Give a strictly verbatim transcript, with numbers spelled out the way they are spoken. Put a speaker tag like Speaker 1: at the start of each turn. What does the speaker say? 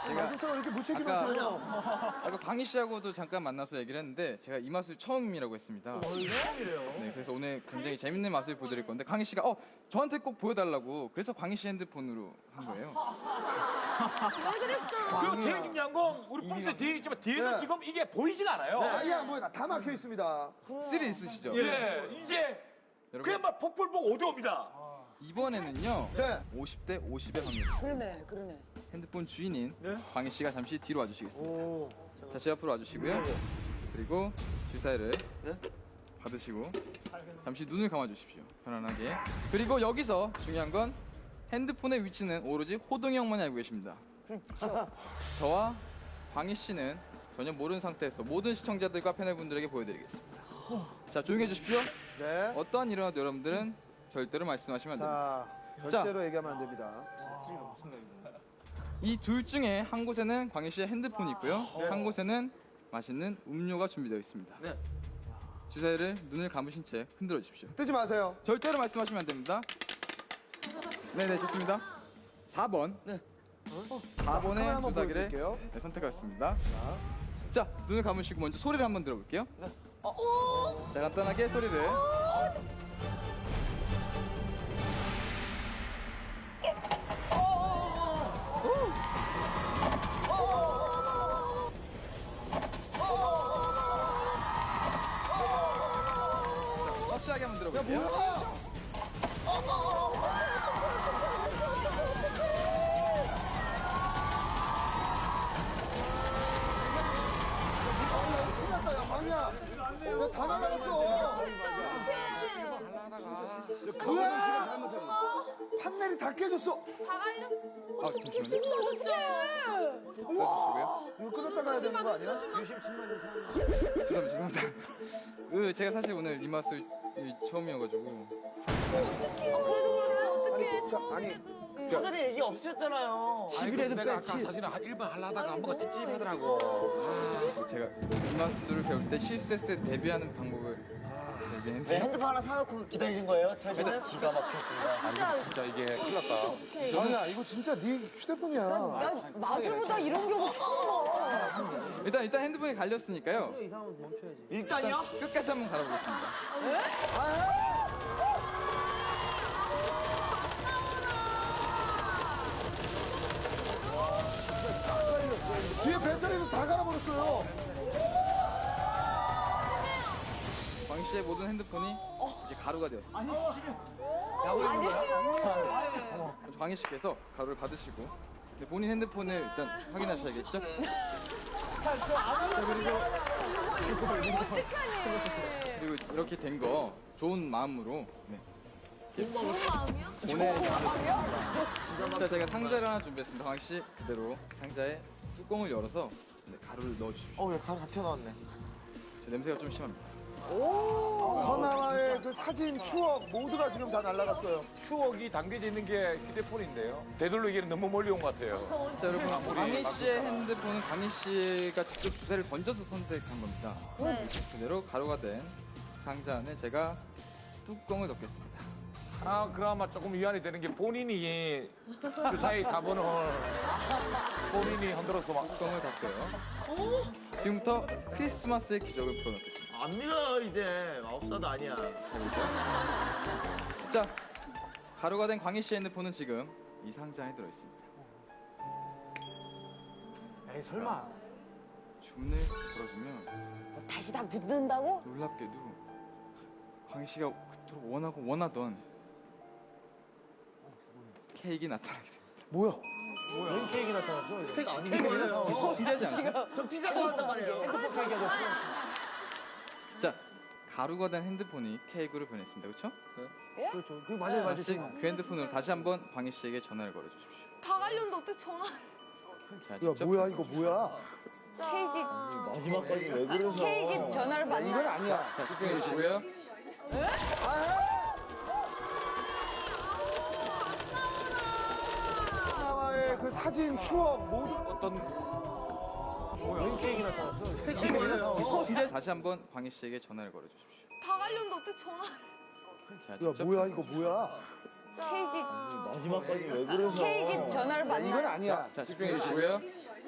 Speaker 1: 제가
Speaker 2: 마술사가 이렇게 무책임하세요?
Speaker 1: 아까 광희 씨하고도 잠깐 만나서 얘기를 했는데 제가 이 마술 처음이라고 했습니다.
Speaker 2: 처음이래요?
Speaker 1: 네, 그래서 오늘 굉장히 재밌는 마술 보여드릴 건데 광희 씨가 어 저한테 꼭 보여달라고 그래서 광희 씨 핸드폰으로 한 거예요.
Speaker 3: 왜 그랬어?
Speaker 4: 그리고 제일 중요한 건 우리 뽕수에 뒤에 있지만 뒤에서
Speaker 2: 네.
Speaker 4: 지금 이게 보이지가 않아요.
Speaker 2: 네, 아니야, 뭐 다 막혀 있습니다.
Speaker 1: 쓸이 있으시죠?
Speaker 4: 예, 이제
Speaker 1: 여러분
Speaker 4: 그냥 막 폭불 보고 어디 옵니다.
Speaker 1: 이번에는요
Speaker 2: 네.
Speaker 1: 오십 대 오십의 확률.
Speaker 3: 그러네, 그러네.
Speaker 1: 핸드폰 주인인
Speaker 2: 네?
Speaker 1: 광희 씨가 잠시 뒤로 와주시겠습니다.
Speaker 2: 오.
Speaker 1: 자, 제 앞으로 와주시고요. 그리고 주사위를
Speaker 2: 네?
Speaker 1: 받으시고 잠시 눈을 감아주십시오. 편안하게. 그리고 여기서 중요한 건 핸드폰의 위치는 오로지 호동이 형만이 알고 계십니다. 저와 광희 씨는 전혀 모르는 상태에서 모든 시청자들과 패널분들에게 보여드리겠습니다. 자, 조용히 해주십시오.
Speaker 2: 네.
Speaker 1: 어떠한 일어나도 여러분들은 절대로 말씀하시면 안 됩니다.
Speaker 2: 자, 절대로 얘기하면 안 됩니다.
Speaker 1: 이 둘 중에 한 곳에는 광희 씨의 핸드폰이 있고요. 한 곳에는 맛있는 음료가 준비되어 있습니다.
Speaker 2: 네.
Speaker 1: 주사위를 눈을 감으신 채 흔들어 주십시오.
Speaker 2: 뜨지 마세요.
Speaker 1: 절대로 말씀하시면 안 됩니다. 네네, 좋습니다. 사 번.
Speaker 2: 네.
Speaker 1: 사
Speaker 2: 카메라
Speaker 1: 번의
Speaker 2: 한번
Speaker 1: 주사기를
Speaker 2: 보여드릴게요.
Speaker 1: 네, 선택하였습니다. 자, 눈을 감으시고 먼저 소리를 한번 들어볼게요. 자, 간단하게 소리를. 자, 확실하게 한번 들어볼게요.
Speaker 2: 뭐야? 큰일 났다, 야, 방이야. 야, 다 날라갔어. 뭐야? 판넬이 다 깨졌어.
Speaker 1: 아, 잠시만요.
Speaker 3: 어떡해!
Speaker 2: 이거 끊었다 가야 되는 거 아니야?
Speaker 1: 죄송합니다, 죄송합니다. 그 제가 사실 오늘 이 맛을 이 처음이어가지고
Speaker 3: 그래도 그렇지, 어떡해.
Speaker 2: 자, 아니,
Speaker 5: 사전에 얘기 없으셨잖아요.
Speaker 4: 아니 그래서 내가 아까 사실은 한 일 번 하려다가 뭔가 찝찝하더라고.
Speaker 1: 제가 이 맛술을 배울 때 실수했을 때 대비하는 방법을
Speaker 5: 네,
Speaker 1: 얘기했는데
Speaker 5: 핸드폰 하나 사놓고 기다리신 거예요? 저희는 기가 막혔습니다.
Speaker 3: 진짜,
Speaker 4: 진짜 이게 큰일 났다.
Speaker 3: 어떡해.
Speaker 2: 아니야, 이거 진짜 네 휴대폰이야.
Speaker 3: 난 마술보다 이런 경우 처음 봐.
Speaker 1: 일단 일단 핸드폰이 갈렸으니까요.
Speaker 5: 일단요?
Speaker 1: 끝까지 한번 갈아보겠습니다.
Speaker 2: 뒤에 배터리도 다 갈아버렸어요.
Speaker 1: 광희 씨의 모든 핸드폰이 이제 가루가 되었습니다. 광희 씨께서 가루를 받으시고 근데 본인 핸드폰을 일단 확인하셔야겠죠? 자, 그리고
Speaker 3: 어떡하니.
Speaker 1: 그리고 이렇게 된 거 좋은 마음으로 네.
Speaker 3: 좋은 마음이야?
Speaker 1: 보내. 자, 제가 상자를 하나 준비했습니다. 광희 씨 그대로 상자에 뚜껑을 열어서 네, 가루를 넣어주십시오.
Speaker 5: 어, 왜 가루 다 튀어나왔네.
Speaker 1: 저 냄새가 좀 심합니다.
Speaker 2: 선아와의 그 사진, 추억 모두가 지금 다 날라갔어요.
Speaker 4: 추억이 담겨져 있는 게 휴대폰인데요. 되돌리기에는 너무 멀리 온 것 같아요.
Speaker 1: 자, 여러분
Speaker 4: 우리
Speaker 1: 광희 씨의
Speaker 4: 마술사.
Speaker 1: 핸드폰은 광희 씨가 직접 주사를 던져서 선택한 겁니다.
Speaker 3: 네.
Speaker 1: 그대로 가루가 된 상자 안에 제가 뚜껑을 넣겠습니다.
Speaker 4: 하나 그나마 조금 위안이 되는 게 본인이 주사위 사 번을 본인이 흔들어서 막
Speaker 1: 뚜껑을 닫고요. 지금부터 크리스마스의 기적을 풀어넣겠습니다.
Speaker 5: 안 믿어, 이제. 마법사도 아니야.
Speaker 1: 자, 가루가 된 광희 씨의 핸드폰은 지금 이 상자 안에 들어있습니다.
Speaker 4: 에이 설마
Speaker 1: 주문을 걸어주면
Speaker 3: 다시 다 붙는다고?
Speaker 1: 놀랍게도 광희 씨가 그토록 원하고 원하던 케이크 나타나게 됩니다.
Speaker 2: 뭐야?
Speaker 5: 웬 케이크 나타났어? 케이크 아니에요.
Speaker 1: 신기하지 않아요?
Speaker 5: 저 피자 좋아한단 말이에요. 핸드폰 케이크
Speaker 1: 자, 가루가 된 핸드폰이 케이크로 변했습니다. 그렇죠?
Speaker 2: 그렇죠. 그 맞아요, 맞아요.
Speaker 1: 다시 그 핸드폰으로 다시 한번 광희 씨에게 전화를 걸어주십시오.
Speaker 3: 다 갈렸는데 어떻게 전화.
Speaker 1: 자,
Speaker 2: 야,
Speaker 1: 직접
Speaker 2: 뭐야, 이거 뭐야?
Speaker 3: 케이크,
Speaker 5: 마지막까지 왜 그러셔?
Speaker 3: 케이크 전화를
Speaker 2: 아, 이건
Speaker 3: 받나?
Speaker 2: 아니야.
Speaker 1: 자, 집중해 주시고요.
Speaker 2: 선아와의 그 사진, 추억 모두.
Speaker 4: 어떤
Speaker 5: 웬 케이크 나타났어? 케이크 아니에요.
Speaker 1: 신기하 다시 한번 광희 씨에게 전화를 걸어주십시오.
Speaker 3: 다 갈렸는데 어떻게 전화.
Speaker 1: 자,
Speaker 2: 야
Speaker 1: 직접
Speaker 2: 뭐야 이거 뭐야?
Speaker 3: 케이크
Speaker 5: 마지막까지 왜 그러셔?
Speaker 3: 케이크 전화를
Speaker 2: 야,
Speaker 3: 받나?
Speaker 2: 이건 아니야.
Speaker 1: 자, 집중해 주시고요.